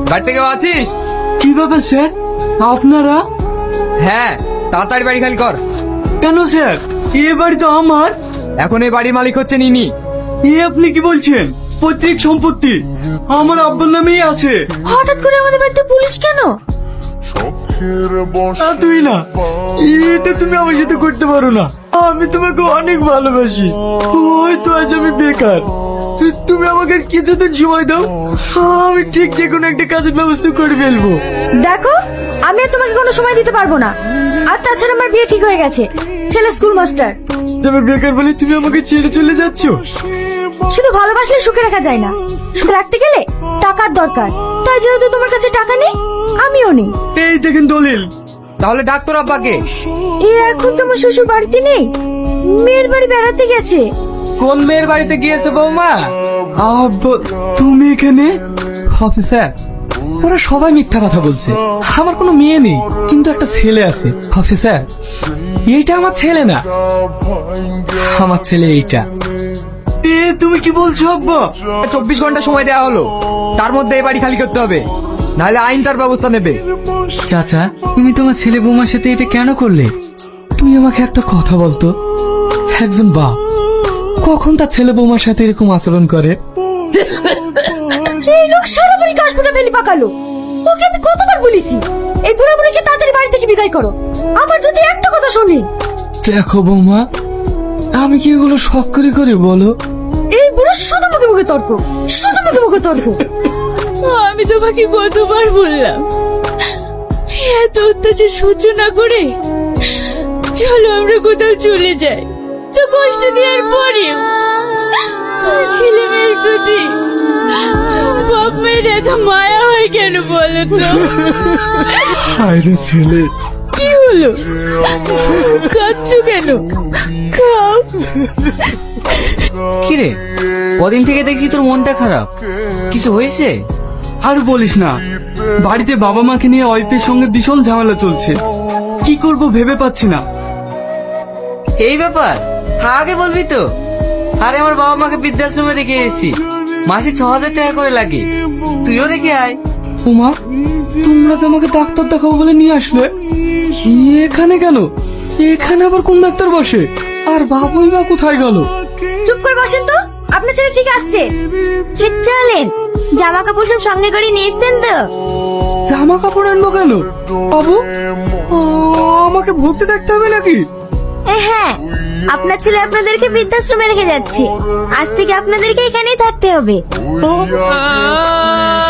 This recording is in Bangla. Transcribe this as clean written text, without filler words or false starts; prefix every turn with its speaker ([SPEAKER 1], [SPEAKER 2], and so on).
[SPEAKER 1] বাড়িতে কেউ আছিস?
[SPEAKER 2] কি ব্যাপার স্যার, আপনারা?
[SPEAKER 1] হ্যাঁ, তাড়াতাড়ি বাড়ি খালি কর।
[SPEAKER 2] কেন স্যার, এ বাড়ি তো আমার।
[SPEAKER 1] এখন এই বাড়ির মালিক হচ্ছে নিনি।
[SPEAKER 2] এ আপনি কি বলছেন? পৈতৃক সম্পত্তি আমার আব্বার নামেই আছে।
[SPEAKER 3] হঠাৎ করে আমাদের বাড়িতে পুলিশ কেন?
[SPEAKER 2] তুই না, এটা তুমি আমার সাথে করতে পারো না। আমি তোমাকে অনেক ভালোবাসি। হয়তো আজ আমি বেকার, তুমি আমাকে আর কিছুদিন সময় দাও, আমি ঠিক যে কোনো একটা কাজের ব্যবস্থা করে ফেলবো।
[SPEAKER 3] দেখো, আমি আর তোমাকে কোনো সময় দিতে পারবো না। আর তাছাড়া আমার বিয়ে ঠিক হয়ে গেছে, ছেলে স্কুল মাস্টার।
[SPEAKER 2] তবে বেকার বলে তুমি আমাকে ছেড়ে চলে যাচ্ছ?
[SPEAKER 3] শুধু ভালোবাসলে সুখে রাখা যায় না, সুখে রাখতে গেলে টাকার দরকার। তাই যেহেতু তোমার কাছে টাকা নেই, আমিও নেই।
[SPEAKER 2] এই দেখেন দলিল।
[SPEAKER 1] তাহলে ডাক্তার আব্বাকে।
[SPEAKER 3] এ এখন তোমার শ্বশুর বাড়িতে নেই, মেয়ের বাড়ি বেড়াতে গেছে।
[SPEAKER 4] কোন মেয়ের বাড়িতে গিয়েছে বৌমা?
[SPEAKER 2] তুমি এখানে?
[SPEAKER 4] অফিসার, ওরা সবাই মিথ্যা কথা বলছে। আমার কোনো মেয়ে নেই, কিন্তু একটা ছেলে আছে। অফিসার, এইটা আমার ছেলে না, আমার ছেলে এইটা।
[SPEAKER 2] এ তুমি কি বলছো আব্বা?
[SPEAKER 1] 24 ঘন্টা সময় দেওয়া হলো, তার মধ্যে এই বাড়ি খালি করতে হবে, নাহলে আইন তার ব্যবস্থা নেবে।
[SPEAKER 4] চাচা, তুমি তোমার ছেলে বৌমার সাথে এটা কেন করলে? তুই আমাকে একটা কথা বলতো, একজন বাপ কখন তার ছেলে বৌমার সাথে এরকম আচরণ করে?
[SPEAKER 3] এই লোক সারা বাড়ি কাশ ফুটা বেলি পাকালো। ওকে আমি কতবার বলেছি এই বুড়া বুড়িকে তাড়াতাড়ি বাড়ি থেকে বিদায় করো। আবার যদি একটা কথা শুনি।
[SPEAKER 4] দেখো বৌমা, আমি কি এগুলো শখ করে করি বলো?
[SPEAKER 3] এই বুড়ো শুধু মুখে মুখে তর্ক, শুধু মুখে মুখে তর্ক।
[SPEAKER 5] আমি তোমাকে কতবার বললাম এত অত্যাচার সহ্য না করে চলো আমরা কোথাও চলে যাই। তো কষ্ট দেওয়ার পরেও ছেলে মেয়ের প্রতি বাপ মেয়ের এত মায়া হয় কেন বলো তো?
[SPEAKER 2] আরে ছেলে,
[SPEAKER 5] কি হলো, কাঁদছো কেন? খাও।
[SPEAKER 6] কিরে, কদিন থেকে দেখছি তোর মনটা খারাপ, কিছু হয়েছে?
[SPEAKER 2] আর বলিস না, বাড়িতে বাবা মাকে নিয়ে ওয়াইফের সঙ্গে ভীষণ ঝামেলা চলছে। কি করব ভেবে পাচ্ছি না।
[SPEAKER 6] এই ব্যাপার, আগে বলবি তো। আরে আমার বাবা মাকে বৃদ্ধাশ্রমে রেখে এসেছি, মাসে 6,000 টাকা করে লাগে, তুইও রেখে আয়।
[SPEAKER 4] উমা, তোমরা তো আমাকে ডাক্তার দেখাবো বলে নিয়ে আসলে, এখানে কেন? এখানে আবার কোন ডাক্তার বসে? আর বাবুই বা কোথায় গেল?
[SPEAKER 3] চুপ করে বসেন তো, আপনার ছেলে ঠিক আসছে। চলেন, জামা কাপড় সব সঙ্গে করে নিয়ে এসছেন তো?
[SPEAKER 4] জামা কাপড় আনবো কেন বাবু? আমাকে ভর্তি দেখতে হবে নাকি?
[SPEAKER 3] হ্যাঁ, আপনার ছেলে আপনাদেরকে বৃদ্ধাশ্রমে রেখে যাচ্ছে। আজ থেকে আপনাদেরকে এখানেই থাকতে হবে।